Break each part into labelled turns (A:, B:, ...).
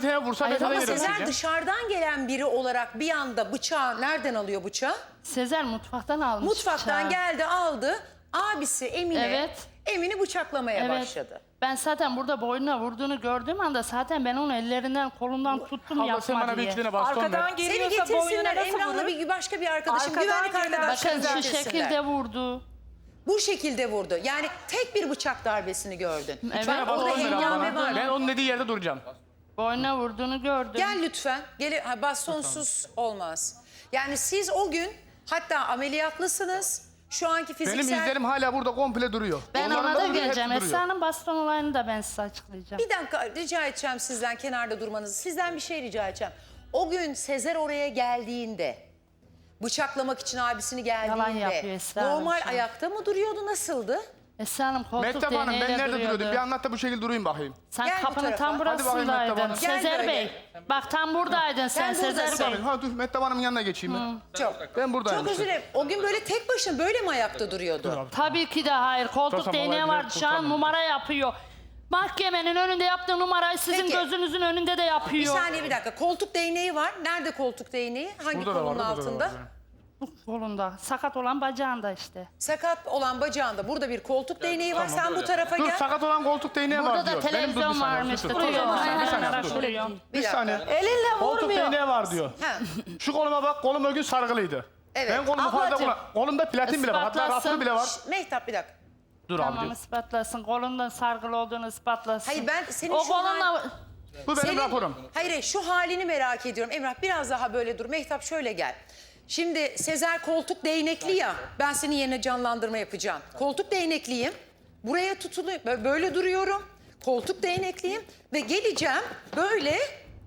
A: tane vursa ben sana
B: ama
A: veririm.
B: Sezer dışarıdan gelen biri olarak bir anda bıçağı nereden alıyor bıçağı?
C: Sezer mutfaktan almış
B: Mutfaktan
C: bıçağı.
B: geldi aldı. Abisi Emine,
C: Evet.
B: Emin'i bıçaklamaya
C: Evet.
B: başladı.
C: Ben zaten burada boynuna vurduğunu gördüğüm anda zaten ben onu ellerinden kolundan tuttum
A: Abla sen
C: yapma
A: bana bir
C: diye.
A: iki tane baston ver.
D: Arkadan
B: Seni
D: geliyorsa boynuna
B: getirsinler
D: nasıl
B: Emrah'la
D: vurur?
B: bir başka bir arkadaşım,
D: Arkadan
B: güvenlik
D: gelen
B: arkadaşlarım
C: Bakın şu
B: getirsinler.
C: şekilde vurdu.
B: Bu şekilde vurdu. Yani tek bir bıçak darbesini gördün.
C: Evet.
A: Tane baston
B: Orada
A: ver abla
B: hengame
A: bana.
B: var.
A: Ben onun dediği yerde duracağım.
C: Boynuna vurduğunu gördüm.
B: Gel lütfen. Bastonsuz olmaz. Yani siz o gün hatta ameliyatlısınız. Şu anki fiziksel...
A: Benim izlerim hala burada komple duruyor.
C: Ben
A: Onların
C: ona da
A: duruyor,
C: geleceğim.
A: hepsi duruyor.
C: Esra'nın baston olayını da ben size açıklayacağım.
B: Bir dakika rica edeceğim sizden kenarda durmanızı. Sizden bir şey rica edeceğim. O gün Sezer oraya geldiğinde, bıçaklamak için abisini
C: Yalan yapıyor
B: geldiğinde
C: Esra Hanım
B: normal
C: şu an.
B: ayakta mı duruyordu, nasıldı?
C: Esra Hanım koltuk
A: Mehtap Hanım ben
C: değneğiyle
A: nerede duruyordum?
C: duruyordu.
A: Bir anlat da bu şekilde durayım bakayım.
C: Sen
B: Gel bu
C: kapının
B: tarafa.
C: tam
B: Hadi
A: bakayım Mehtap
C: burasındaydın.
A: Hanım.
B: Gel
C: Sezer
B: böyle.
C: Bey. Bak tam buradaydın sen
B: Sen
C: Sezer
B: buradasın.
C: Bey.
A: Ha dur Mehtap Hanım'ın yanına geçeyim ben.
B: Çok.
A: Ben buradayım
B: Çok özür
A: işte.
B: dilerim. O gün böyle tek başına böyle mi ayakta duruyordu?
C: Tabii ki de hayır. Koltuk
A: Tutsam
C: değneği
A: olayı
C: var.
A: bile
C: Şu an
A: tutamam.
C: numara yapıyor. Mahkemenin önünde yaptığı numarayı sizin
B: Peki.
C: gözünüzün önünde de
B: Bir
C: yapıyor.
B: saniye bir dakika. Koltuk değneği var. Nerede koltuk değneği? Hangi
A: Burada da var,
B: kolunun
A: burada da
B: altında?
A: var.
C: Bu kolunda. Sakat olan bacağında işte.
B: Sakat olan bacağında burada bir koltuk değneği var. Sen bu tarafa
A: Dur
B: gel.
A: sakat olan koltuk değneği
C: Burada
A: var
C: da
A: diyor. Benim dur bir
C: televizyon
A: saniye,
C: varmış.
A: dur, dur.
C: Duruyor.
A: Bir saniye, bir saniye,
C: Aynen,
A: dur.
C: duruyor.
B: Bir
A: Bir
B: dakika.
A: saniye.
D: Elinle
A: Koltuk
D: vurmuyor.
A: değneği var diyor.
B: Ha.
A: Şu koluma bak, kolum o gün sargılıydı.
B: Evet.
A: Ben kolumu fazla
C: Ablacığım,
A: kolumda platin bile var. Hatta
C: ispatlasın.
A: raflı bile var.
B: Mehtap bir dakika.
A: Dur
C: Tamam
A: abi.
C: ispatlasın. Kolundan sargılı olduğunu ispatlasın.
B: Hayır ben senin
C: O
B: şu
C: kolunla...
A: Bu benim
B: Senin-
A: raporum.
B: Hayır şu halini merak ediyorum. Emrah biraz daha böyle dur. Mehtap şöyle gel. Şimdi Sezer koltuk değnekli ya. Ben senin yerine canlandırma yapacağım. Koltuk değnekliyim. Buraya tutuluyor. Böyle duruyorum. Koltuk değnekliyim. Ve geleceğim böyle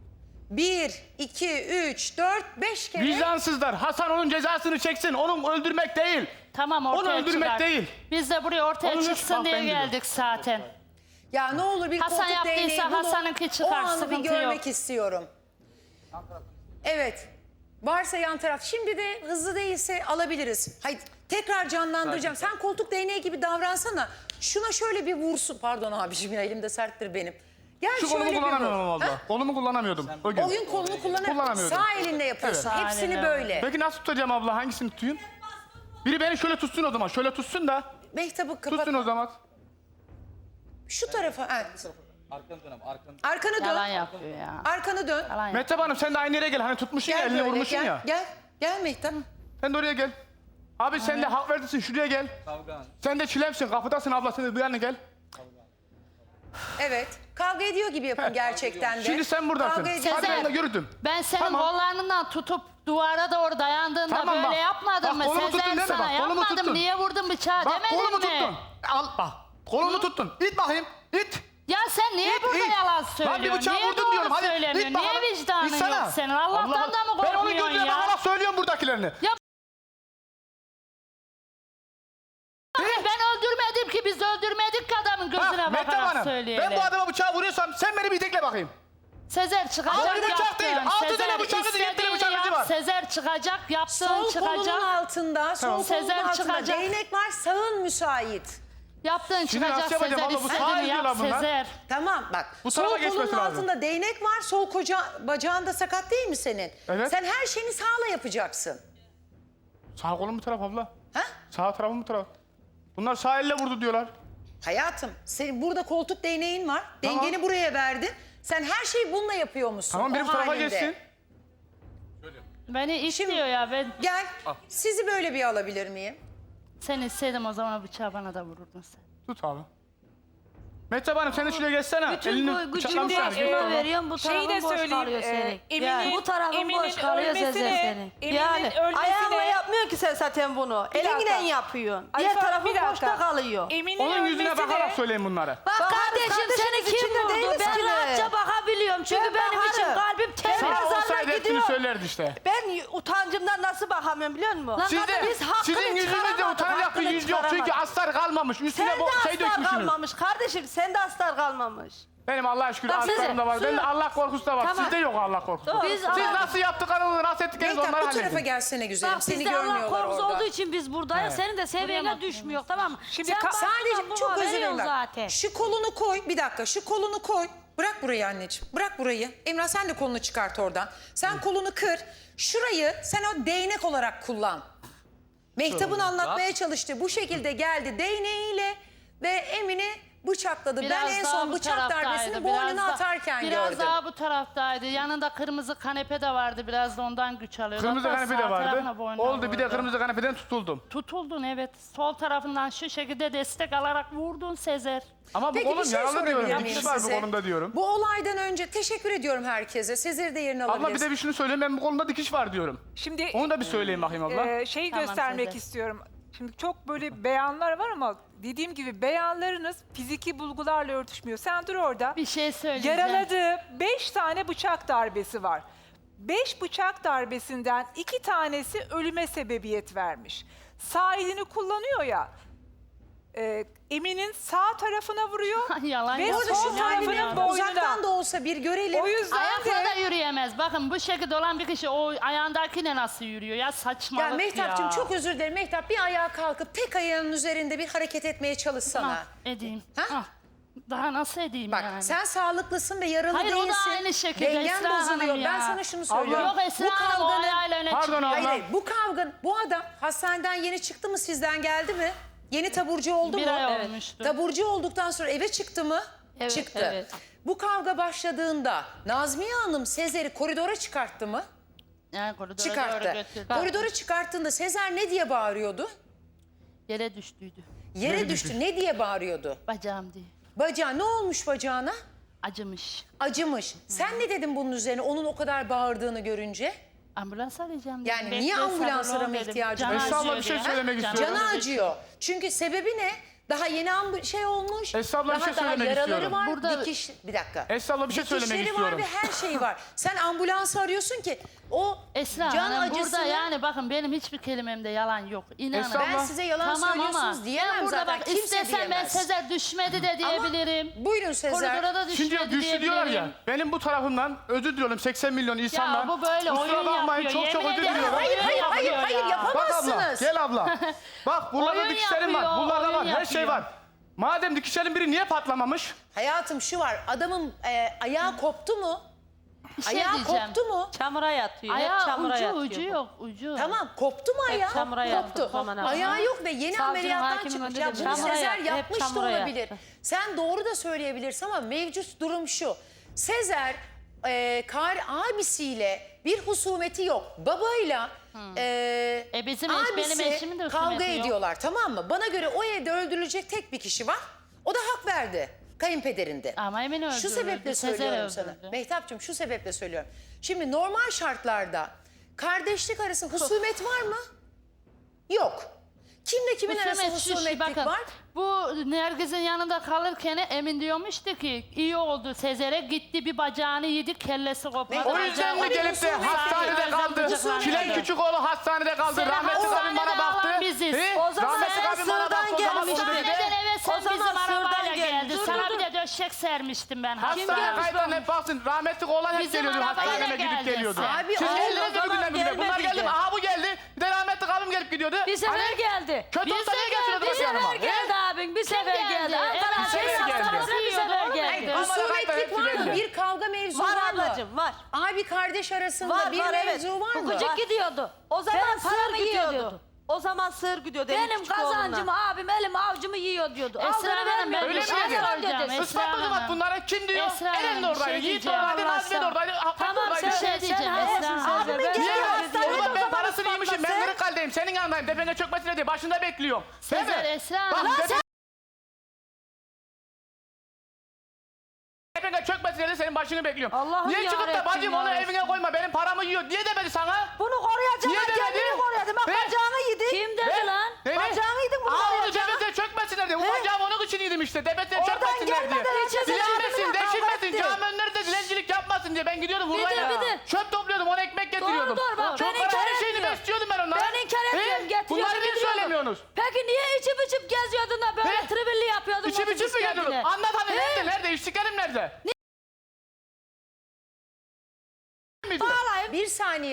B: 1, 2, 3, 4, 5 kere.
A: Vicdansızlar. Hasan onun cezasını çeksin. Onu öldürmek değil.
C: Tamam ortaya
A: Onu öldürmek
C: çıkar.
A: değil.
C: Biz de buraya ortaya
A: Onu
C: çıksın
A: bak,
C: diye
A: ben biliyorum.
C: geldik zaten.
B: Ya ne olur bir
C: Hasan
B: koltuk
C: yaptıysa
B: değneği bunu,
C: Hasan'ınki çıkar,
B: o anı bir
C: sıkıntı
B: görmek
C: yok.
B: istiyorum. Evet. Varsa yan taraf. Şimdi de hızlı değilse alabiliriz. Hayır tekrar canlandıracağım. Sen koltuk değneği gibi davransana. Şuna şöyle bir vursun. Pardon abiciğim ya elimde serttir benim. Gel
A: Şu
B: şöyle
A: kolumu
B: bir vur.
A: kullanamıyorum
B: Ha?
A: abla. Kolumu kullanamıyordum o gün.
B: O gün kolunu
A: Kullanamıyordum.
B: Sağ elinle yapıyorsun.
C: Evet.
B: Hepsini
C: Sağ
B: böyle.
A: Peki nasıl tutacağım abla? Hangisini tutayım? Biri beni şöyle tutsun o zaman. Şöyle tutsun da.
B: Mehtap'ı kapat.
A: Tutsun o zaman.
B: Şu tarafa. Ha. Arkanı
C: Yalan
B: dön.
C: yapıyor ya.
B: Arkanı dön.
C: Yalan yapıyor.
A: Mehtap Hanım sen de aynı yere gel. Hani tutmuşsun ya,
B: Gel
A: elini
B: böyle.
A: vurmuşsun
B: Gel.
A: ya.
B: Gel. Gel Mehtap.
A: Sen de oraya gel. Abi sen de hak verdin, şuraya gel. Sen de çilemsin, kapıdasın abla, sen de bu yana gel.
B: Evet. Kavga ediyor gibi yapın gerçekten de.
A: Şimdi sen buradasın.
B: Kavga ediyor.
A: Hadi
C: Sezer,
A: ben de yürüdüm.
C: Ben senin
A: Tamam.
C: kollarından tutup duvara doğru dayandığında
A: Tamam,
C: böyle
A: bak.
C: yapmadım
A: Bak,
C: mı?
A: kolumu tuttun
C: Sezer
A: değil mi?
C: sana
A: Bak, kolumu
C: yapmadım.
A: tuttun.
C: Niye vurdun bıçağı
A: Bak
C: demedin
A: kolumu
C: mi?
A: tuttun. Al bak. Kolumu tuttun. İt bakayım. İt.
C: Ya sen niye
A: İt,
C: burada
A: it.
C: yalan
A: Lan bir
C: söylüyorsun?
A: bıçağı
C: Niye
A: vurdun
C: doğru
A: diyorum. Hadi
C: söylemiyorsun?
A: it bakalım.
C: Niye vicdanın
A: İtsana.
C: yok senin? Allah'tan
A: Allah-
C: da mı
A: Ben onu
C: korkmuyorsun
A: gözüne
C: ya?
A: bakarak söylüyorum buradakilerini.
C: Ya ben öldürmedim ki, biz öldürmedik ki adamın gözüne
A: Ha, Mehtap
C: bakarak
A: Hanım,
C: söyleyelim.
A: ben bu adama bıçağı vuruyorsam sen beni bir tekle bakayım.
C: Sezer çıkacak
A: Altı bıçak
C: yaptın.
A: değil, altı tane
C: Sezer
A: bıçak izi, yedi tane
C: istediğini
A: bıçak izi
C: yap.
A: var.
C: Sezer çıkacak, yaptığın
B: Sol kolunun
C: çıkacak.
B: altında, sol kolunun
C: Sezer
B: altında
C: çıkacak.
B: değnek var, sağın müsait.
C: Yaptığın
A: Şimdi
C: çıkacak
A: nasıl yapacağım
C: Sezer
A: abla? Bu sağa
C: istediğini yap
A: gidiyorlar bunlar.
C: Sezer.
B: Tamam bak.
A: Bu
B: Sol
A: tarafa
B: kolunun
A: geçmesi lazım.
B: altında değnek var, sol bacağında sakat değil mi senin?
A: Evet.
B: Sen her şeyini sağla yapacaksın.
A: Sağ kolum bu taraf abla.
B: Ha?
A: Sağ tarafım bu taraf. Bunlar sağ elle vurdu diyorlar.
B: Hayatım, senin burada koltuk değneğin var.
A: Tamam.
B: Dengeni buraya verdin. Sen her şeyi bununla yapıyor musun?
A: Tamam biri
B: o
A: bu tarafa
B: halinde?
A: geçsin.
C: Beni istiyor ya. Ben
B: Gel, sizi böyle bir alabilir miyim?
C: sen istedin o zaman o bıçağı bana da vururdun sen.
A: Tut abi. Mehtap Hanım sen de şuraya geçsene.
E: Bütün bu gücümü başına veriyorum, bu
D: Şeyi
E: tarafın
D: de
E: boş kalıyor
D: söyleyeyim.
E: senin. Yani bu tarafın boş kalıyor Sezer senin.
D: Yani
E: Ayağınla yapmıyor ki sen zaten bunu.
D: Bir
E: Elinle
D: dakika.
E: yapıyorsun.
D: Ay,
E: Diğer
D: Fatma,
E: tarafın
D: bir dakika.
E: boşta kalıyor.
A: Onun yüzüne bakarak söyleyin bunları.
E: Bak kardeşim seni
D: kardeşiniz
E: kim
D: içinde
E: vurdu?
D: değiliz
E: Ben
D: ki.
E: rahatça bakabiliyorum. Çünkü
D: Ben
E: benim için
D: bakarım.
E: kalbim temiz.
A: Sağ
E: Mezarına
A: olsaydı hepsini
E: gidiyor.
A: söylerdi işte.
E: Ben utancımdan nasıl bakamıyorum biliyor musun?
C: Lan
A: Sizin
E: hakkını
A: yüzünüzde
E: çıkaramadık,
A: utanacak bir
E: hakkını
A: yüz yok çünkü
E: çıkaramadık.
A: astar kalmamış. Üstüne
E: Sen de
A: şey
E: astar
A: dökmüşsünüz.
E: kalmamış kardeşim. Sen de astar kalmamış.
A: Benim Allah'a şükür
E: Bak
A: astarım
E: Sezer,
A: da var. Bende
E: su-
A: Allah korkusu da var.
E: Tamam.
A: Sizde yok Allah korkusu.
E: Doğru.
A: Siz
E: Biz
A: nasıl yaptıklarınızı, nasıl ettiklerinizi
B: Mehtap
A: onları
B: bu tarafa
A: halledin.
B: gelsene güzelim.
E: Bak
B: Seni
E: bizde Allah
B: görmüyorlar
E: korkusu
B: orada.
E: olduğu için biz buradayız. Senin de seviyene düşmüyor tamam mı?
D: Şimdi
E: Sen
D: ka-
E: baştan
B: Sadece
E: buna
B: çok özür dilerim.
E: veriyorsun
B: bak.
E: zaten.
B: Şu kolunu koy, bir dakika şu kolunu koy. Bırak burayı anneciğim. Bırak burayı. Emrah sen de kolunu çıkart oradan. Sen kolunu kır. Şurayı sen o değnek olarak kullan. Mehtap'ın anlatmaya çalıştığı bu şekilde geldi değneğiyle ve Emin'i bıçakladı. Ben en
C: daha
B: son
C: bu
B: bıçak
C: taraftaydı,
B: darbesini
C: biraz
B: boynuna
C: da-
B: atarken
C: Biraz
B: gördüm.
C: daha bu taraftaydı. Yanında kırmızı kanepe de vardı. Biraz da ondan güç alıyordu.
A: Kırmızı
C: Hatta
A: kanepe de
C: sağ
A: vardı.
C: tarafına boynuna
A: Oldu bir de
C: vurdu.
A: kırmızı kanepeden tutuldum.
C: Tutuldun evet. Sol tarafından şu şekilde destek alarak vurdun Sezer.
A: Ama bu
B: Peki bir
A: kolum
B: şey
A: yaralı
B: sorabilir
A: diyorum.
B: miyim
A: Dikiş var bu
B: size?
A: kolumda diyorum.
B: Bu olaydan önce teşekkür ediyorum herkese. Sezer'i de yerine
A: Abla
B: alabiliriz.
A: bir de bir şunu söyleyeyim, ben bu kolumda dikiş var diyorum.
D: Şimdi
A: Onu da bir söyleyeyim bakayım abla.
D: şeyi
C: Tamam,
D: göstermek
C: Sezer.
D: istiyorum. Şimdi çok böyle beyanlar var ama dediğim gibi beyanlarınız fiziki bulgularla örtüşmüyor. Sen dur orada.
C: Bir şey söyleyeceğim.
D: Yaraladığı 5 tane bıçak darbesi var. 5 bıçak darbesinden 2 tanesi ölüme sebebiyet vermiş. Sağ elini kullanıyor ya. Emin'in sağ tarafına vuruyor
C: Yalan
D: ve
C: yok.
B: Orada şu
D: sol tarafının
B: halini
D: boynuna.
B: uzaktan da olsa bir görelim.
D: O yüzden
C: Ayakla da
D: de
C: yürüyemez. Bakın bu şekilde olan bir kişi o ayağındakiyle nasıl yürüyor ya, saçmalık
B: Ya
C: ya.
B: Mehtap'cığım çok özür dilerim. Mehtap bir ayağa kalkıp tek ayağının üzerinde bir hareket etmeye çalışsana.
C: Ah, edeyim.
B: Ha?
C: Ah, daha nasıl edeyim
B: Bak
C: yani?
B: sen sağlıklısın ve yaralı
C: Hayır, o da
B: değilsin.
C: aynı şekilde
B: Dengen
C: Esra Hanım
B: bozuluyor.
C: ya.
B: Ben sana şunu söylüyorum.
C: Yok Esra Hanım o ayağıyla öne
A: Pardon
C: çıkıyor.
A: abla.
B: Hayır, hayır, bu kavga, bu adam hastaneden yeni çıktı mı, sizden geldi mi? Yeni taburcu oldu
C: Bir
B: mu?
C: ay olmuştu.
B: Taburcu olduktan sonra eve çıktı mı?
E: Evet,
B: Çıktı.
E: evet.
B: Bu kavga başladığında Nazmiye Hanım Sezer'i koridora çıkarttı mı?
C: Yani koridora doğru
B: Çıkarttı.
C: götürdü.
B: Koridora çıkarttığında Sezer ne diye bağırıyordu?
C: Yere düştüydü.
B: Yere düştü. Ne diye bağırıyordu?
C: Bacağım diye.
B: Bacağı ne olmuş bacağına?
C: Acımış.
B: Acımış. Sen ne dedin bunun üzerine onun o kadar bağırdığını görünce?
C: Ambulans arayacağım dedim.
B: Yani
C: Bekle,
B: niye ambulans
C: sabırlı ol
B: arama
C: dedim.
B: ihtiyacı
C: Canı
B: var?
A: Esra abla
C: acıyor
A: bir şey
C: diye.
A: söylemek
C: Canı
A: istiyorum.
B: Canı
C: acıyor.
B: acıyor. Çünkü sebebi ne? Daha yeni şey olmuş.
A: Esra abla bir
B: daha
A: şey
B: daha
A: söylemek
B: yaraları
A: istiyorum.
B: var.
C: Burada-
B: Dikiş, bir dakika.
A: Esra abla bir şey söylemek
B: Dikişleri
A: istiyorum.
B: var ve her şeyi var. Sen ambulansı arıyorsun ki o
C: Esra
B: can
C: Hanım
B: acısını...
C: burada yani bakın benim hiçbir kelimemde yalan yok. İnanın.
A: Esra
B: Ben
A: abla-
B: size yalan söylüyorsunuz diyemem
C: ben burada
B: zaten.
C: bak
B: Kimse
C: istesem ben
B: diyemez.
C: Sezer düşmedi de diyebilirim.
B: Buyurun Sezer.
C: Koridora da düşmedi
A: Şimdi güçlü
C: diyebilirim.
A: diyorlar ya, benim bu tarafımdan özür diliyorum 80 milyon insandan.
C: bu böyle
A: Kusura
C: oyun
A: bakmayın,
C: yapıyor,
A: çok çok
C: yemin
A: özür
C: ederim.
A: diliyorum.
B: Hayır hayır hayır
C: yapıyor
B: hayır
C: ya.
A: Bak abla,
B: yapamazsınız.
A: gel abla. Bak buralarda
C: Oyun
A: dikişlerim var,
C: yapıyor,
A: buralarda var,
C: oyun
A: her şey
C: yapıyor.
A: var. Madem dikişlerin biri niye patlamamış?
B: Hayatım şu var, adamın ayağı koptu mu?
C: Bir şey
B: Ayağı
C: diyeceğim.
B: koptu mu?
E: Çamura yatıyor. Hep
C: Ayağı
E: çamura
C: ucu
E: yatıyor.
C: ucu
E: bu.
C: yok ucu.
B: Tamam, koptu mu ayağı?
E: çamura yattı,
B: Koptu.
E: zaman ama.
B: Ayağı yok ve yeni
E: Savcının,
B: ameliyattan
E: hakimin
B: çıkmış.
E: önünde
B: Ya
E: de
B: bunu
E: çamura
B: Sezer
E: yattı, hep
B: yapmış da
E: çamura
B: olabilir.
E: yattı.
B: Sen doğru da söyleyebilirsin ama mevcut durum şu. Sezer abisiyle bir husumeti yok. Babayla
C: Bizim benim
B: abisi
C: eşimin de
B: kavga
C: husumeti yok.
B: ediyorlar, tamam mı? Bana göre o evde öldürülecek tek bir kişi var. O da hak verdi. Kayınpederinde.
C: Ama Emin öldürüldü.
B: Şu sebeple
C: Sezer
B: söylüyorum sana.
C: öldürdü.
B: Mehtapçığım şu sebeple söylüyorum. Şimdi normal şartlarda kardeşlik arası husumet var mı? Yok. Kimle kimin arası
C: Husumet şu,
B: husumetlik
C: bakın,
B: var?
C: bu Nergiz'in yanında kalırken Emin diyormuştu ki iyi oldu Sezer'e gitti bir bacağını yedi kellesi kopardı.
A: O yüzden mi gelip de hastanede kaldı? Çilen küçük oğlu hastanede kaldı.
C: Seni
A: Rahmetli abim bana
C: hastanede
A: baktı.
C: alan biziz.
E: O zaman
A: Rahmetli
E: sen
A: abim bana
E: sırdan
A: baktı. O zaman
E: gelmiştin.
A: bunu dedi.
C: Hastaneden eve sen
E: O zaman
C: bizim
E: sırdan
C: arabayla
E: gelmiş.
C: geldi.
E: Dur,
C: Sana
E: dur,
C: bir de döşek sermiştim ben.
A: Hastane kayıtlarına hep baksın. Rahmetli oğlan hep
C: Bizim
A: geliyordu.
C: arabayla
A: Hastaneme gidip
C: geldi
A: geliyordu.
C: sen.
B: Abi,
A: Siz
B: o
A: geldiniz mi
E: zaman
A: günden güne? Bunlar
E: gelmedi
A: geldi mi?
E: ki.
A: Aha bu geldi. Bir de rahmetli abim gelip gidiyordu.
E: Bir sefer
A: Hani
E: geldi.
A: kötü
C: Bir
A: olsa niye
C: sefer
A: getiriyordu
E: Bir
A: bak yanıma?
E: sefer geldi abin. Bir sefer geldi.
C: geldi.
E: Ankara
C: Evet,
E: Şehir
A: bir sefer geldi.
E: Hastanesi'ne bir sefer
C: Hayır,
E: geldi.
A: Ama
B: Husumetlik
A: hepsi
B: var mı?
A: belli.
B: Bir kavga mevzu
E: Var
B: var mı?
E: ablacığım var.
B: Abi kardeş arasında
E: Var
B: bir
E: var evet.
B: mevzu var mı?
E: Hukucuk gidiyordu. O zaman
D: Benim
E: sığır
D: paramı
E: gidiyordu.
D: yiyordu.
E: O zaman sığır gidiyordu.
D: Benim
E: küçük
D: kazancımı
E: oğlunla.
D: abim elim avucumu yiyor diyordu.
C: Esra
D: Aldığını
C: Hanım, ben
D: vermiyordu.
A: Öyle
C: bir şey
A: miydi?
C: soracağım.
E: dedi.
C: Esra
A: Ispatladı bak
C: Hanım.
A: bunlara. Kim diyor?
C: Esra Hanım,
A: Eren de
C: bir
A: oradaydı.
C: şey
A: Yiğit de
C: diyeceğim.
A: oradaydı. Nazmi de oradaydı. Hakan da
E: Tamam,
A: oradaydı.
C: Bir şey diyeceğim Esra Hanım.
E: Abimin
A: Niye
E: geldi.
A: var? Oğlum ben
E: zaman
A: parasını yemişim. Ben
E: ispatlasın.
A: Kırıkkale'deyim. Senin yanındayım. Tepene çökmesine diye başında bekliyorum. Değil mi?
C: Sezer Esra
A: Bak,
C: Hanım.
A: tepene çökmesine de senin başını bekliyorum.
E: Allah'ım
A: Niye çıkıp da
E: yarabbim,
A: bacım onu
E: yarabbim.
A: evine koyma benim paramı yiyor diye demedi sana?
E: Bunu koruyacağım.
A: Niye demedi?
E: Kendini koruyadı. Bak
A: He?
E: bacağını yedi.
D: Kim dedi
A: He?
D: lan?
A: Ne?
E: Bacağını yedin bunu
A: Aa onu
E: koruyacağım.
A: tepesine çökmesinler diye. Bu bacağım onun için yedim işte. Tepesine
E: Oradan
A: çökmesinler diye.
E: gelmeden içeri
A: Dilenmesin,
E: çökmeden
A: deşilmesin.
E: kavga
A: Cami önleri de dilencilik yapmasın diye. Ben gidiyordum Urla'ya.
E: Bir de.
A: Çöp topluyordum, ona ekmek getiriyordum.
E: Doğru, bak,
A: Çok
E: ben
A: para,
E: inkar
A: her şeyini
E: etmiyorum.
A: besliyordum ben onlara.
E: Ben inkar etmiyorum.
A: He?
E: Getiriyorum,
A: Bunları niye
E: getiriyorum.
A: söylemiyorsunuz?
E: Peki niye içip içip geziyordun da böyle
A: He?
E: tribilli yapıyordun?
A: İçim
E: otobüs
A: içim mi geliyordum?
E: kendine?
A: Anlat hadi
E: He?
A: nerede? Nerede? İşçilerim nerede?
E: Bağlayayım.
B: Bir saniye.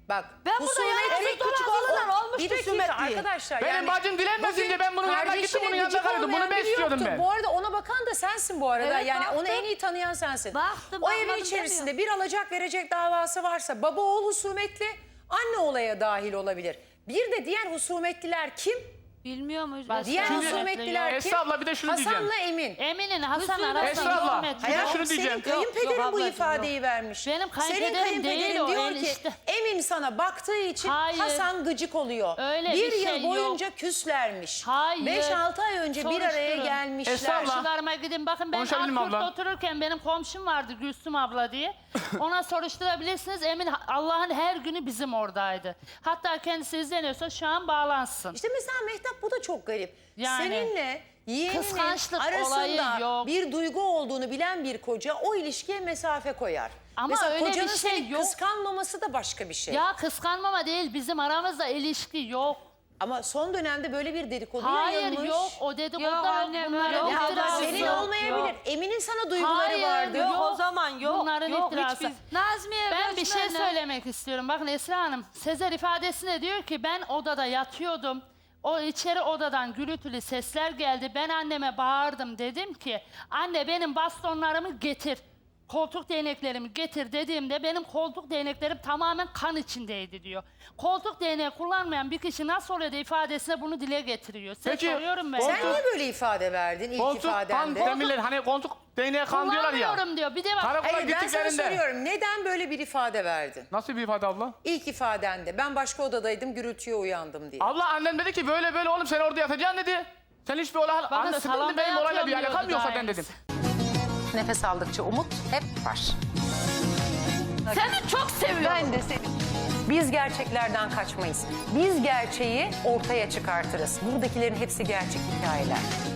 B: Bak
E: Ben burada yani küçük olanlar olmuş
B: bir dakika
E: husumetli.
B: arkadaşlar.
A: Benim bacım dilenmesin
B: bugün
A: diye ben bunun yanına
B: kardeşine
A: gittim, bunun yanında
B: gıcık
A: kalıyordum. Bunu
B: olmayan
A: ben
B: biri
A: istiyordum
B: yoktu.
A: ben.
B: Bu arada ona bakan da sensin bu arada.
E: Evet,
B: Yani
E: baktım.
B: onu en iyi tanıyan sensin.
E: Baktım,
B: O evin
E: bakmadım
B: içerisinde bir alacak verecek davası varsa baba oğul husumetli, anne olaya dahil olabilir. Bir de diğer husumetliler kim?
E: Bilmiyor muyuz?
B: Diğer
A: Şimdi-
B: husumetliler kim?
A: Esra abla bir de şunu diyeceğim.
B: Hasan'la Emin.
C: Emin'in Hasan
E: Esra
C: arasında
A: abla,
C: hürmet
A: hayır,
C: yok.
A: şunu
B: Senin
A: diyeceğim.
B: kayınpederin
E: Yok,
B: bu
E: ablacığım,
B: ifadeyi vermiş.
C: Benim kayınpederim
B: Senin kayınpederin
C: değil o,
B: diyor ki
C: enişte.
B: Emin sana baktığı için
C: Hayır.
B: Hasan gıcık oluyor.
C: Öyle
B: bir
C: bir
B: yıl
C: şey yok.
B: boyunca küslermiş.
C: Hayır.
B: 5-6 ay önce bir araya
C: Soruşturun.
B: gelmişler.
A: Esra abla.
C: Komşularıma gidin. Bakın ben
A: Konuşabilir miyim
C: Ankurt'ta
A: abla?
C: otururken benim komşum vardı Gülsüm abla diye. Ona soruşturabilirsiniz. Emin Allah'ın her günü bizim oradaydı. Hatta kendisi izleniyorsa şu an bağlansın.
B: İşte mesela Mehtap bu da çok garip.
C: Yani.
B: Seninle yeğeninin
C: Kıskançlık
B: arasında
C: olayı yok.
B: bir duygu olduğunu bilen bir koca o ilişkiye mesafe koyar.
C: Ama
B: mesela
C: öyle bir
B: kocanın
C: şey
B: seni
C: yok.
B: kıskanmaması da başka bir şey.
C: Ya kıskanmama değil, bizim aramızda ilişki yok.
B: Ama son dönemde böyle bir dedikodu
C: Hayır
B: yayılmış.
C: yok, o dedikodu
E: Yok
C: da
E: annem,
C: bunların
E: yok.
B: Ya
C: iftirası.
B: senin
E: Yok,
B: olmayabilir.
E: yok.
B: Emin'in sana duyguları
C: Hayır,
B: vardı.
C: yok.
E: O zaman yok.
C: Bunların
E: yok,
C: iftirası.
E: hiçbir- Nazmiye
C: Ben bir şey
E: Göçmen'le-
C: söylemek istiyorum. Bakın Esra Hanım, Sezer ifadesinde diyor ki ben odada yatıyordum. O içeri odadan gürültülü sesler geldi. Ben anneme bağırdım. Dedim ki anne benim bastonlarımı getir. Koltuk değneklerimi getir dediğimde benim koltuk değneklerim tamamen kan içindeydi diyor. Koltuk değneği kullanmayan bir kişi nasıl oluyor da ifadesine bunu dile getiriyor. Size
A: Peki,
C: soruyorum ben.
A: koltuk-
B: Sen niye böyle ifade verdin ilk
A: Koltuk kan
B: ifadende?
A: demirler hani koltuk değneğe kan diyorlar ya.
C: Kullanmıyorum diyor. Bir de bak
A: Karakola
B: Hayır ben sana
A: gittiklerinde.
B: soruyorum. Neden böyle bir ifade verdin?
A: Nasıl bir ifade abla?
B: İlk ifadende ben başka odadaydım gürültüye uyandım diye.
A: Abla annem dedi ki böyle böyle oğlum sen orada yatacaksın dedi. Sen hiçbir olay...
C: Bakın,
A: Anne sıkıntı
C: salonda
A: benim olayla bir
C: yatıyorum
A: alakam
C: diyordu
A: yok zaten
C: daha
A: dedim.
B: Nefes aldıkça umut hep var.
E: Seni çok seviyorum.
B: Ben de seni. Biz gerçeklerden kaçmayız. Biz gerçeği ortaya çıkartırız. Buradakilerin hepsi gerçek hikayeler.